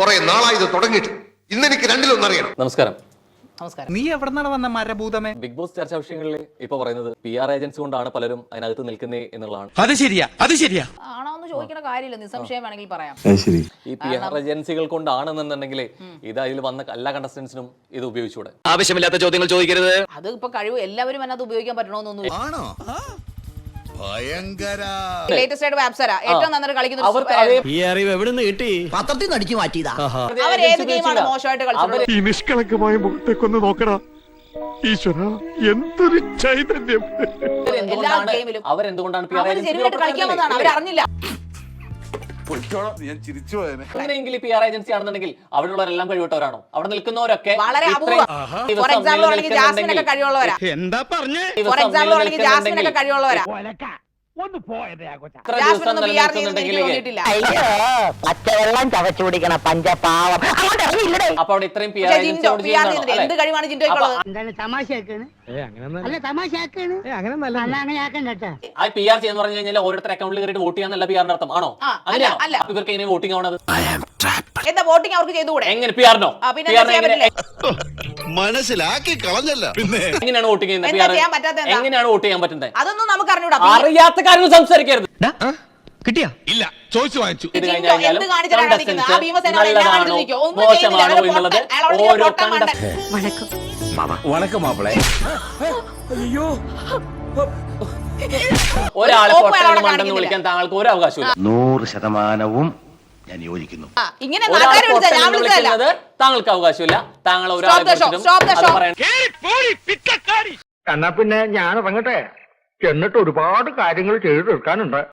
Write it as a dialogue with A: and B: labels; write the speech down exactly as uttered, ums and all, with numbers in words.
A: കുറെ നാളായി ഇത് തുടങ്ങിയിട്ട് ഇന്ന് എനിക്ക് രണ്ടിലൊന്നറിയണം.
B: നമസ്കാരം.
C: നമസ്കാരം. നീ എവിടെന്നാണ് വന്ന മരഭൂതമേ?
B: ബിഗ് ബോസ് ചർച്ചാ വിഷയങ്ങളിൽ ഇപ്പൊ പറയുന്നത് പി ആർ ഏജൻസി കൊണ്ടാണ് പലരും അതിനകത്ത് നിൽക്കുന്നേ എന്നുള്ളതാണ്.
D: അത് ശരിയാ അത് ശരിയാ
C: ആണോ എന്ന് ചോദിക്കുന്ന കാര്യമില്ല, നിസ്സംശയം വേണമെങ്കിൽ പറയാം.
B: ഈ പി ആർ ഏജൻസികൾ കൊണ്ടാണെന്നുണ്ടെങ്കിൽ ഇത് അതിൽ വന്ന എല്ലാ കണ്ടസ്റ്റൻസിനും ഇത് ഉപയോഗിച്ചൂടെ?
D: ആവശ്യമില്ലാത്ത ചോദ്യങ്ങൾ ചോദിക്കരുത്.
C: അത് ഇപ്പൊ കഴിവ് എല്ലാവരും അതിനകത്ത് ഉപയോഗിക്കാൻ പറ്റണമെന്നൊന്നും. ലേറ്റസ്റ്റ് ആയിട്ട് അപ്സര ഏറ്റവും നന്നായി കളിക്കുന്ന
D: ഈ അറിവ് എവിടുന്ന് കിട്ടി?
E: പത്രത്തിൽ നിന്ന് അടിച്ചു മാറ്റിയതാ.
C: അവർ ഏത് ഗെയിമാണ് മോശമായിട്ട് കളിച്ചത്?
F: ഈ നിഷ്കളങ്കമായ മുഖത്തേക്കൊന്ന് നോക്കടാ ഈശ്വര, എന്തൊരു ചൈതന്യം.
C: എല്ലാ ഗെയിമിലും
B: അവരെന്തുകൊണ്ടാണ് പി ആർ
C: അവർ ജെനുവിനായിട്ട് കളിക്കാൻ വന്നതാണ്, അവരറിഞ്ഞില്ല.
B: അങ്ങനെയെങ്കിൽ പി ആർ ഏജൻസി ആണെന്നുണ്ടെങ്കിൽ അവിടെയുള്ളവരെല്ലാം കഴിവിട്ടവരാണോ? അവിടെ നിൽക്കുന്നവരൊക്കെ
C: വളരെ അപൂർവം. ഫോർ എക്സാമ്പിൾ ആണെങ്കിൽ ജാസ്മിനൊക്കെ കഴിവുള്ളവരാ.
D: എന്താ പറഞ്ഞേ?
C: ഫോർ എക്സാമ്പിൾ ആണെങ്കിൽ ജാസ്മിനൊക്കെ കഴിവുള്ളവരാ. ജാസ്മിനൊന്നും പി ആർ ചെയ്യുന്നെങ്കിൽ തോന്നിയിട്ടില്ല.
E: പച്ചവെള്ളം ചവച്ചു കുടിക്കണ പഞ്ചപാവം.
B: അപ്പൊ അവിടെ ഇത്രയും പി ആർ
C: പക്ഷേ
B: ഏജൻസി
C: ജിൻഡോ പി ആർ ചെയ്യുന്നുണ്ട്. എന്ത് കഴിവാണ് ജിൻഡോയ്ക്കുള്ളത്?
B: ആ പി ആർ ചെയ്യുന്ന പറഞ്ഞു കഴിഞ്ഞാൽ ഓരോരുത്തർ അക്കൗണ്ടിൽ കയറിയിട്ട് വോട്ട് ചെയ്യാന്നല്ല പി ആറിന്റെ അർത്ഥം ആണോ? അങ്ങനെയാണോ?
C: അല്ല.
B: ഇവർക്ക് എങ്ങനെ വോട്ടിംഗ് ആവണത്?
C: എന്താ വോട്ടിംഗ് അവർക്ക് ചെയ്തുകൂടെ?
B: എങ്ങനെ പി ആറിനോ?
C: പിന്നെ എന്താ ചെയ്യാൻ പറ്റില്ലേ?
F: മനസ്സിലാക്കി കളഞ്ഞല്ല. പിന്നെ
B: എങ്ങനെയാണ് വോട്ടിംഗ് ചെയ്യുന്നത്?
C: എന്താ ചെയ്യാൻ പറ്റാത്ത എന്താ?
B: എങ്ങനെയാണ് വോട്ട് ചെയ്യാൻ പറ്റുന്നത്?
C: അതൊന്നും നമുക്ക് അറിഞ്ഞൂടാ.
B: അറിയാത്ത കാര്യങ്ങൾ സംസാരിക്കരുത്.
D: കിട്ടിയാ? ഇല്ല, ചോദിച്ചു വാങ്ങിച്ചു.
B: ഇത്
C: ജിൻഡോ
B: കഴിഞ്ഞാലും
C: എന്ത് കാണിച്ചിട്ടാണ് കളിക്കുന്നത്? ആ ഭീമസേന അവിടെ എല്ലാം
B: നല്ലതാണോ
C: കാണിച്ചിരിക്കും. ഒന്നും ചെയ്യുന്നില്ല.
B: മോശമാണോ
C: അയാൾ
B: എന്നുള്ളത്
C: പൊട്ടൻ. അയാൾ അവിടെ
B: ഓരോ
C: പൊട്ടൻ മണ്ടൻ.
D: വണക്കം മാപ്പിളെ.
B: ഒരാളെ
C: കോപ്പ്
B: പൊട്ടൻ
C: അയാൾ അവിടെ
B: മണ്ടെന്ന് വിളിക്കാൻ താങ്കൾക്ക് ഒരു അവകാശമില്ല.
E: നൂറ് ശതമാനവും ഞാൻ യോജിക്കുന്നു.
C: ആ, ഇങ്ങനെ
B: ഒരാളെ
C: നാട്ടുകാരെ വിളിച്ചാ
B: പൊട്ടൻ
C: ഞാൻ
B: എന്ന്
C: വിളിച്ചതല്ല.
B: വിളിക്കുന്നത് താങ്കൾക്ക് അവകാശമില്ല. താങ്കൾ
C: Stop
B: ഒരാളെ
C: the show.
B: കുറിച്ചിട്ടും
C: Stop the
B: അത്
C: show.
B: പറയാൻ
G: എന്നാ പിന്നെ ഞാൻ ഇറങ്ങട്ടെ, എന്നിട്ട് ഒരുപാട് കാര്യങ്ങൾ ചെയ്തു തീർക്കാനുണ്ട്.